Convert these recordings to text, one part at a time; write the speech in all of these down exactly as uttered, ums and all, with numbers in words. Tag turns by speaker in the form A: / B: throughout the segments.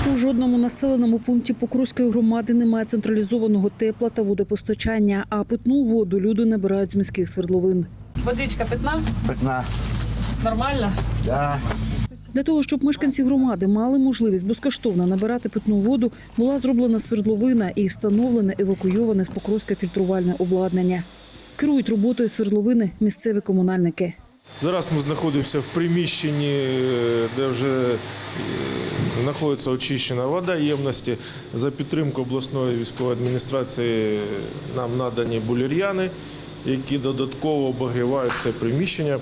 A: У жодному населеному пункті Покровської громади немає централізованого тепла та водопостачання, а питну воду люди набирають з міських свердловин.
B: Водичка питна?
C: Питна.
B: Нормально?
C: Да.
A: Для того, щоб мешканці громади мали можливість безкоштовно набирати питну воду, була зроблена свердловина і встановлене евакуйоване з Покровська фільтрувальне обладнання. Керують роботою свердловини місцеві комунальники.
D: Зараз ми знаходимося в приміщенні, де вже знаходиться очищена вода ємності. За підтримку обласної військової адміністрації нам надані булір'яни, які додатково обігрівають це приміщення.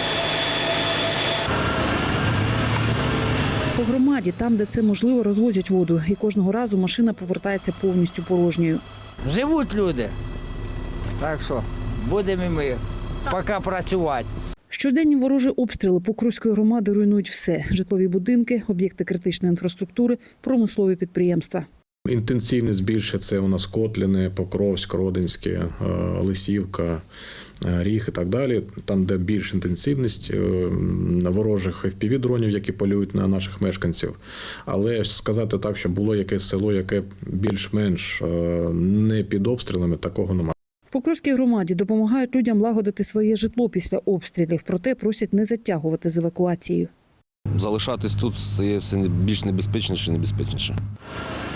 A: По громаді, там, де це можливо, розвозять воду. І кожного разу машина повертається повністю порожньою.
E: Живуть люди. Так що будемо і ми поки працювати.
A: Щоденні ворожі обстріли Покровської громади руйнують все – житлові будинки, об'єкти критичної інфраструктури, промислові підприємства.
F: Інтенсивність більше – це у нас Котлини, Покровськ, Родинське, Лисівка, Ріг і так далі. Там, де більш інтенсивність ворожих еф пі ві-дронів, які полюють на наших мешканців. Але сказати так, що було якесь село, яке більш-менш не під обстрілами, такого немає.
A: В Покровській громаді допомагають людям лагодити своє житло після обстрілів, проте просять не затягувати з евакуацією.
G: Залишатись тут стає все більш небезпечніше і небезпечніше.